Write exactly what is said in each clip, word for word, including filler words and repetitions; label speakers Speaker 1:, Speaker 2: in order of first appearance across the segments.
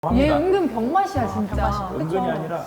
Speaker 1: 얘
Speaker 2: 합니다.
Speaker 1: 은근 병맛이야 진짜.
Speaker 3: 병맛이야.
Speaker 1: 그쵸?
Speaker 2: 은근이 아니라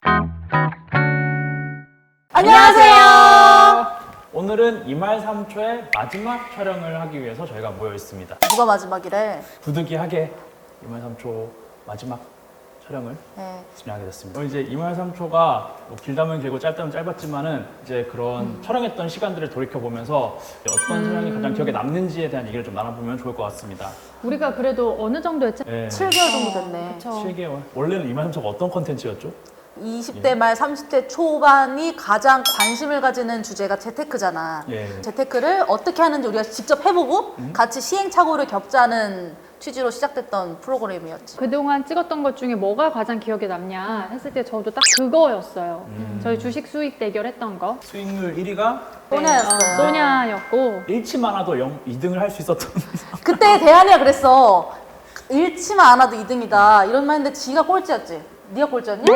Speaker 3: 안녕하세요.
Speaker 2: 오늘은 이말삼초의 마지막 촬영을 하기 위해서 저희가 모여 있습니다.
Speaker 3: 누가 마지막이래?
Speaker 2: 부득이하게 이말삼초 마지막 촬영을
Speaker 3: 네.
Speaker 2: 진행하게 됐습니다. 오늘 이제 이말삼초가 뭐 길다면 길고 짧다면 짧았지만은 이제 그런
Speaker 3: 음.
Speaker 2: 촬영했던 시간들을 돌이켜 보면서 어떤
Speaker 1: 음.
Speaker 2: 촬영이 가장 기억에 남는지에 대한 얘기를 좀 나눠보면 좋을 것 같습니다.
Speaker 1: 우리가 그래도 어느 정도 했지?
Speaker 2: 네.
Speaker 3: 칠 개월 정도 됐네.
Speaker 1: 그쵸.
Speaker 2: 칠 개월. 원래는 이말삼초가 어떤 컨텐츠였죠?
Speaker 3: 이십 대 말 삼십 대 초반이 가장 관심을 가지는 주제가 재테크잖아.
Speaker 2: 예.
Speaker 3: 재테크를 어떻게 하는지 우리가 직접 해보고 같이 시행착오를 겪자는 취지로 시작됐던 프로그램이었지.
Speaker 1: 그동안 찍었던 것 중에 뭐가 가장 기억에 남냐 했을 때 저도 딱 그거였어요.
Speaker 2: 음.
Speaker 1: 저희 주식 수익 대결 했던 거.
Speaker 2: 수익률 일 위가
Speaker 3: 소냐였어요.
Speaker 1: 어, 소냐였고.
Speaker 2: 잃지 않아도 영, 이 등을 할 수 있었던
Speaker 3: 그때 대한이가 그랬어. 잃지만 않아도 이 등이다. 이런 말 했는데 지가 꼴찌였지. 네가 꼴찌였니?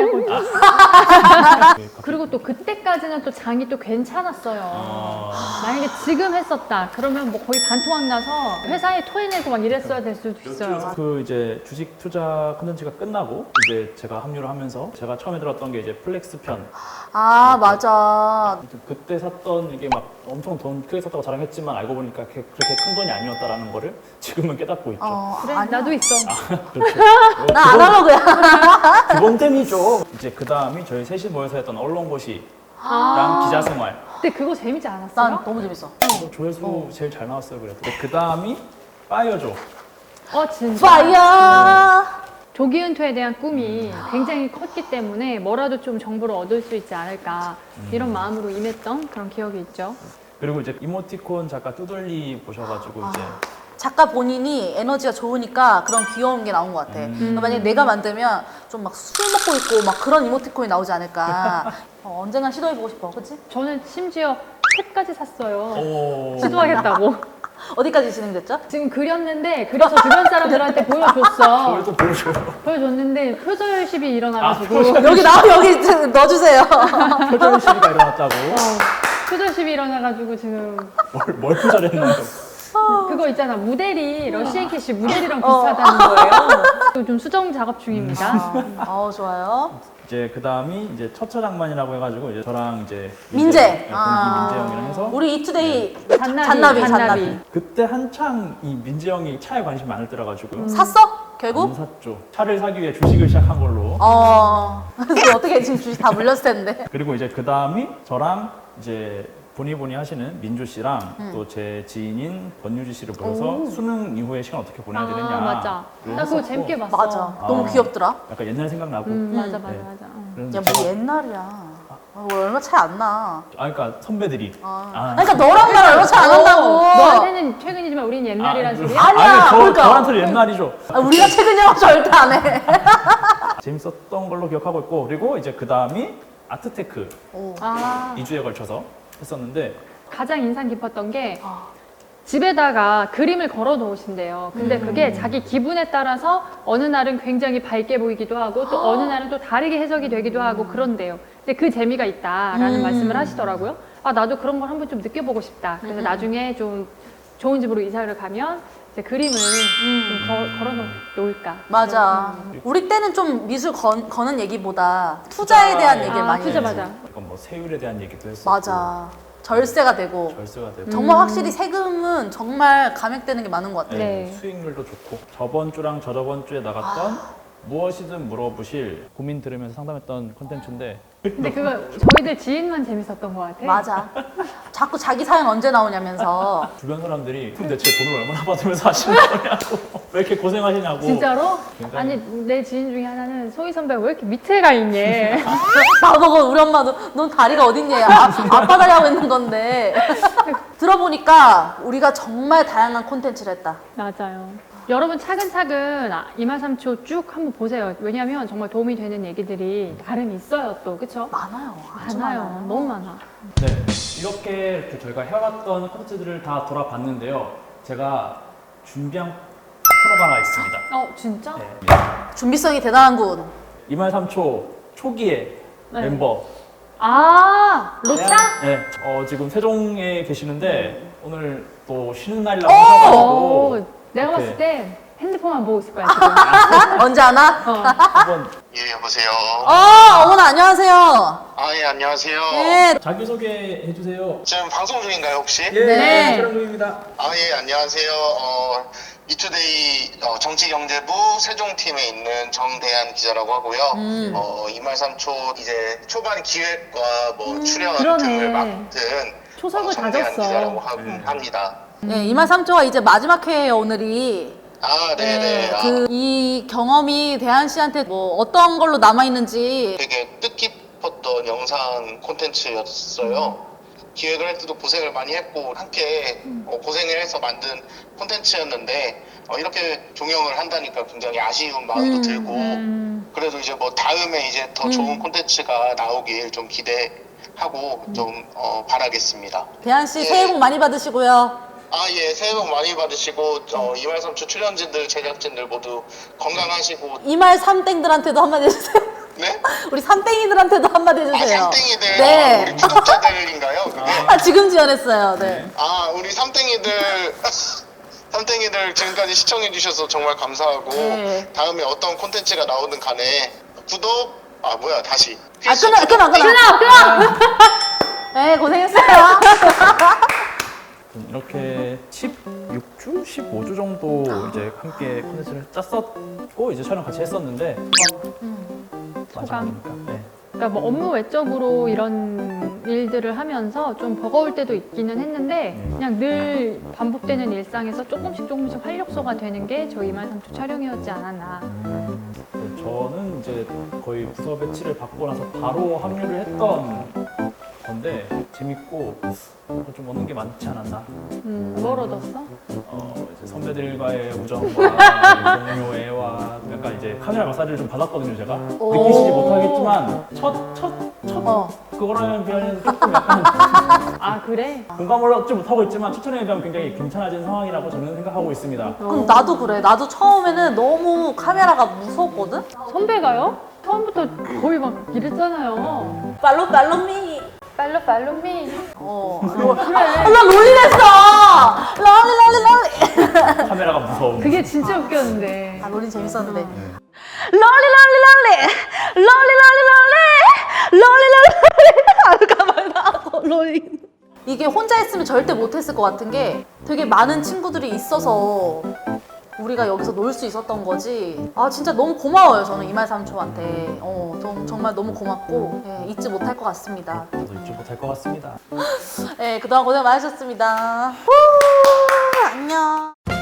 Speaker 1: 그리고 또 그때까지는 또 장이 또 괜찮았어요.
Speaker 2: 아.
Speaker 1: 만약에 지금 했었다 그러면 뭐 거의 반토막 나서 회사에 토해내고 막 이랬어야 될 수도 있어요.
Speaker 2: 그 이제 주식 투자 컨텐츠가 끝나고 이제 제가 합류를 하면서 제가 처음에 들었던 게 이제 플렉스 편.
Speaker 3: 아 맞아.
Speaker 2: 그때 샀던 이게 막 엄청 돈 크게 샀다고 자랑했지만 알고 보니까 그렇게 그렇게 큰 돈이 아니었다라는 거를 지금은 깨닫고 있죠.
Speaker 3: 어,
Speaker 1: 그래
Speaker 3: 아니야.
Speaker 1: 나도 있어.
Speaker 2: 그렇죠.
Speaker 3: 나 아날로그야.
Speaker 2: 기본템이죠. 이제 그 다음이 저희 셋이 모여서 했던 언론고시랑
Speaker 1: 아.
Speaker 2: 기자 생활.
Speaker 1: 근데 그거 재밌지 않았어요?
Speaker 3: 난 너무 재밌어.
Speaker 2: 그래서 조회수 제일 잘 나왔어요. 그래도. 그 다음이 파이어조.
Speaker 1: 어 진짜.
Speaker 3: 파이어.
Speaker 1: 조기 은퇴에 대한 꿈이 굉장히 컸기 때문에 뭐라도 좀 정보를 얻을 수 있지 않을까 이런 마음으로 임했던 그런 기억이 있죠.
Speaker 2: 그리고 이제 이모티콘 작가 뚜돌리 보셔가지고 이제
Speaker 3: 작가 본인이 에너지가 좋으니까 그런 귀여운 게 나온 것 같아. 그러니까 만약에 내가 만들면 좀 막 술 먹고 있고 막 그런 이모티콘이 나오지 않을까. 어, 언젠간 시도해보고 싶어, 그치?
Speaker 1: 저는 심지어 책까지 샀어요.
Speaker 2: 오.
Speaker 1: 시도하겠다고.
Speaker 3: 어디까지 진행됐죠?
Speaker 1: 지금 그렸는데 그려서 주변 사람들한테 보여줬어.
Speaker 2: 저를 또 보여줘요.
Speaker 1: 보여줬는데 표절십이 일어나가지고
Speaker 2: 아, 표절.
Speaker 3: 여기 나 여기 넣어주세요.
Speaker 2: 표절 시비가 일어났다고.
Speaker 1: 표절십이 일어나가지고 지금
Speaker 2: 뭘, 뭘 표절했나요?
Speaker 1: 그거 있잖아 무대리 러시안 캐시 무대리랑
Speaker 3: 어.
Speaker 1: 비슷하다는 거예요. 지금 좀 수정 작업 중입니다.
Speaker 3: 어 좋아요.
Speaker 2: 이제 그 다음이 이제 처처장만이라고 해가지고 이제 저랑 이제
Speaker 3: 민재.
Speaker 2: 네, 동기
Speaker 3: 아.
Speaker 2: 민재 형이랑 해서
Speaker 3: 우리 이투데이
Speaker 1: 잔나비,
Speaker 3: 잔나비,
Speaker 1: 잔나비.
Speaker 3: 잔나비.
Speaker 2: 그때 한창 이 민재 형이 차에 관심이 많을 때라가지고
Speaker 3: 샀어?
Speaker 2: 안
Speaker 3: 결국?
Speaker 2: 샀죠. 차를 사기 위해 주식을 시작한 걸로.
Speaker 3: 어. 그래서 어떻게 지금 주식 다 물렸을 텐데.
Speaker 2: 그리고 이제 그 다음이 저랑 이제 보니보니 하시는 민주 씨랑 또 제 지인인 권유지 씨를 모여서 수능 이후에 시간 어떻게 보내야 되느냐.
Speaker 1: 아 맞아. 나 그거 재밌게 봤어.
Speaker 3: 맞아. 너무
Speaker 2: 아.
Speaker 3: 귀엽더라.
Speaker 2: 약간 옛날 생각나고.
Speaker 1: 음, 맞아 맞아
Speaker 2: 네.
Speaker 1: 맞아. 어.
Speaker 2: 그래서
Speaker 3: 야,
Speaker 2: 제가-
Speaker 3: 뭐 옛날이야. 어, 얼마 차이 안 나.
Speaker 2: 아, 그러니까 선배들이.
Speaker 3: 아.
Speaker 2: 아.
Speaker 3: 그러니까 너랑 나랑 얼마 차이 안 난다고.
Speaker 1: 너한테는 최근이지만 우린 옛날이란
Speaker 2: 아,
Speaker 1: 소리야?
Speaker 3: 아니야,
Speaker 2: 아니, 저,
Speaker 3: 그러니까.
Speaker 2: 저한테는 옛날이죠.
Speaker 3: 아, 우리가 최근이라고 절대 안 해.
Speaker 2: 재밌었던 걸로 기억하고 있고, 그리고 이제 그 다음이 아트테크
Speaker 3: 오.
Speaker 1: 아
Speaker 2: 이 주에 걸쳐서 했었는데,
Speaker 1: 가장 인상 깊었던 게
Speaker 3: 아.
Speaker 1: 집에다가 그림을 걸어 놓으신대요. 근데
Speaker 2: 음.
Speaker 1: 그게 자기 기분에 따라서 어느 날은 굉장히 밝게 보이기도 하고 또 어느 날은 또 다르게 해석이 되기도 하고 그런데요. 근데 그 재미가 있다라는
Speaker 3: 음.
Speaker 1: 말씀을 하시더라고요. 아 나도 그런 걸 한번 좀 느껴보고 싶다. 그래서
Speaker 3: 음.
Speaker 1: 나중에 좀 좋은 집으로 이사를 가면 이제 그림을 좀 거- 걸어 놓을까.
Speaker 3: 맞아. 우리 때는 좀 미술 건, 거는 얘기보다 투자에 대한 얘기를
Speaker 1: 아,
Speaker 3: 많이
Speaker 1: 투자
Speaker 3: 했지.
Speaker 1: 맞아.
Speaker 2: 약간 뭐 세율에 대한 얘기도 했었고,
Speaker 3: 맞아. 절세가 되고.
Speaker 2: 절세가 되고,
Speaker 3: 정말 확실히 세금은 정말 감액되는 게 많은 것 같아.
Speaker 2: 네,
Speaker 1: 네.
Speaker 2: 수익률도 좋고, 저번 주랑 저저번 주에 나갔던
Speaker 3: 아.
Speaker 2: 무엇이든 물어보실 고민 들으면서 상담했던 콘텐츠인데,
Speaker 1: 근데 그거 저희들 지인만 재밌었던 것 같아.
Speaker 3: 맞아. 자꾸 자기 사연 언제 나오냐면서.
Speaker 2: 주변 사람들이 근데 제 돈을 얼마나 받으면서 하시는 거냐고, 왜 이렇게 고생하시냐고.
Speaker 1: 진짜로?
Speaker 2: 굉장히-
Speaker 1: 아니 내 지인 중에 하나는 소희 선배 왜 이렇게 밑에 가 있니?
Speaker 3: 나보고 우리 엄마도 넌 다리가 어딨냐. 아, 아빠 다리 하고 있는 건데. 들어보니까 우리가 정말 다양한 콘텐츠를 했다.
Speaker 1: 맞아요. 여러분 차근차근 아, 이말삼초 쭉 한번 보세요. 왜냐하면 정말 도움이 되는 얘기들이 나름 있어요 또 그쵸?
Speaker 3: 많아요. 아주
Speaker 1: 많아요.
Speaker 3: 많아요.
Speaker 1: 너무 많아.
Speaker 2: 네, 이렇게 이렇게 저희가 해왔던 콘텐츠들을 다 돌아봤는데요. 제가 준비한 코너가 하나 있습니다.
Speaker 1: 어 진짜?
Speaker 2: 네.
Speaker 3: 준비성이 대단한군.
Speaker 2: 이말삼초 초기의
Speaker 1: 네.
Speaker 2: 멤버.
Speaker 1: 아 로차?
Speaker 2: 네, 어, 지금 세종에 계시는데 오늘 또 쉬는 날이라고
Speaker 1: 오,
Speaker 2: 하셔가지고
Speaker 1: 내가
Speaker 2: 이렇게
Speaker 1: 봤을 때 핸드폰만 보고 있을 거야 지금.
Speaker 3: 언제 하나?
Speaker 1: 어.
Speaker 2: 한번
Speaker 4: 예, 여보세요.
Speaker 3: 어, 어머나 안녕하세요.
Speaker 4: 아, 예, 안녕하세요.
Speaker 3: 네.
Speaker 2: 자기소개 해주세요.
Speaker 4: 지금 방송 중인가요, 혹시?
Speaker 2: 예,
Speaker 3: 네.
Speaker 2: 촬영 중입니다.
Speaker 4: 아, 예, 안녕하세요. 어, 이투데이 어, 정치경제부 세종팀에 있는 정대한 기자라고 하고요.
Speaker 3: 음.
Speaker 4: 어, 이말삼초 이제 초반 기획과 뭐 출연
Speaker 1: 그러네.
Speaker 4: 등을 맡은
Speaker 1: 초석을
Speaker 4: 어, 정대한
Speaker 1: 다졌어.
Speaker 4: 기자라고 하,
Speaker 2: 음.
Speaker 4: 합니다.
Speaker 3: 네, 이말삼초가 이제 마지막 회예요, 오늘이.
Speaker 4: 아, 네네. 아,
Speaker 3: 그, 이 경험이 대한 씨한테 뭐 어떤 걸로 남아있는지.
Speaker 4: 되게 뜻깊었던 영상 콘텐츠였어요. 기획을 할 때도 고생을 많이 했고 함께 어, 고생을 해서 만든 콘텐츠였는데 어, 이렇게 종영을 한다니까 굉장히 아쉬운 마음도
Speaker 3: 음,
Speaker 4: 들고
Speaker 1: 음.
Speaker 4: 그래도 이제 뭐 다음에 이제 더
Speaker 3: 음.
Speaker 4: 좋은 콘텐츠가 나오길 좀 기대하고 좀 어, 바라겠습니다.
Speaker 3: 대한 씨
Speaker 4: 예.
Speaker 3: 새해 복 많이 받으시고요.
Speaker 4: 아, 예, 새해 복 많이 받으시고 어, 이말삼초 출연진들, 제작진들 모두 건강하시고
Speaker 3: 이말 삼땡들한테도 한마디 해주세요.
Speaker 4: 네?
Speaker 3: 우리 삼땡이들한테도 한마디
Speaker 4: 아,
Speaker 3: 해주세요.
Speaker 4: 삼땡이들
Speaker 3: 네.
Speaker 4: 아, 우리 구독자들인가요? 그게?
Speaker 3: 아, 지금 지원했어요. 네.
Speaker 4: 아, 우리 삼땡이들, 삼땡이들 지금까지 시청해주셔서 정말 감사하고,
Speaker 3: 네.
Speaker 4: 다음에 어떤 콘텐츠가 나오든 간에, 구독, 아, 뭐야, 다시.
Speaker 3: 아, 끊어, 끊어, 끊어.
Speaker 1: 끊어 끊어.
Speaker 3: 네, 고생했어요.
Speaker 2: 이렇게 십육 주, 십오 주 정도 이제 함께 콘텐츠를 짰었고 이제 촬영 같이 했었는데 마지막이니까. 네.
Speaker 1: 그러니까 뭐 업무 외적으로 이런 일들을 하면서 좀 버거울 때도 있기는 했는데 그냥 늘 반복되는 일상에서 조금씩 조금씩 활력소가 되는 게 저희 이말삼초 촬영이었지 않았나.
Speaker 2: 음, 저는 이제 거의 부서 배치를 받고 나서 바로 합류를 했던 건데 재밌고 좀 얻는 게 많지 않았나.
Speaker 1: 음, 뭘 얻었어?
Speaker 2: 어, 이제 선배들과의 우정과 동료 애와 약간 이제 카메라 마사지를 좀 받았거든요, 제가.
Speaker 3: 오.
Speaker 2: 느끼시지 못하겠지만 첫, 첫, 첫
Speaker 3: 어.
Speaker 2: 그거랑 비하면 조금 약간
Speaker 1: 아 그래?
Speaker 2: 공감을 얻지 못하고 있지만 첫 촬영에 비하면 굉장히 괜찮아진 상황이라고 저는 생각하고 있습니다.
Speaker 3: 그럼 나도 그래. 나도 처음에는 너무 카메라가 무서웠거든?
Speaker 1: 선배가요? 처음부터 거의 막 이랬잖아요.
Speaker 3: 팔로 팔로미.
Speaker 1: 팔로 팔로 미.
Speaker 3: 어. 로, 아, 나 롤리 됐어! 롤리, 롤리, 롤리.
Speaker 2: 카메라가 무서운.
Speaker 1: 그게 진짜 웃겼는데.
Speaker 3: 아, 롤리 재밌었는데. 롤리, 롤리, 롤리. 롤리, 롤리, 롤리. 롤리, 롤리, 롤리. 아, 가만 나. 롤리. 이게 혼자 했으면 절대 못했을 것 같은 게 되게 많은 친구들이 있어서 우리가 여기서 놀 수 있었던 거지. 아, 진짜 너무 고마워요, 저는 이말삼초한테. 어, 좀, 정말 너무 고맙고, 예, 잊지 못할 것 같습니다.
Speaker 2: 저도 잊지 못할 것 같습니다.
Speaker 3: 예, 그동안 고생 많으셨습니다. 후, 안녕.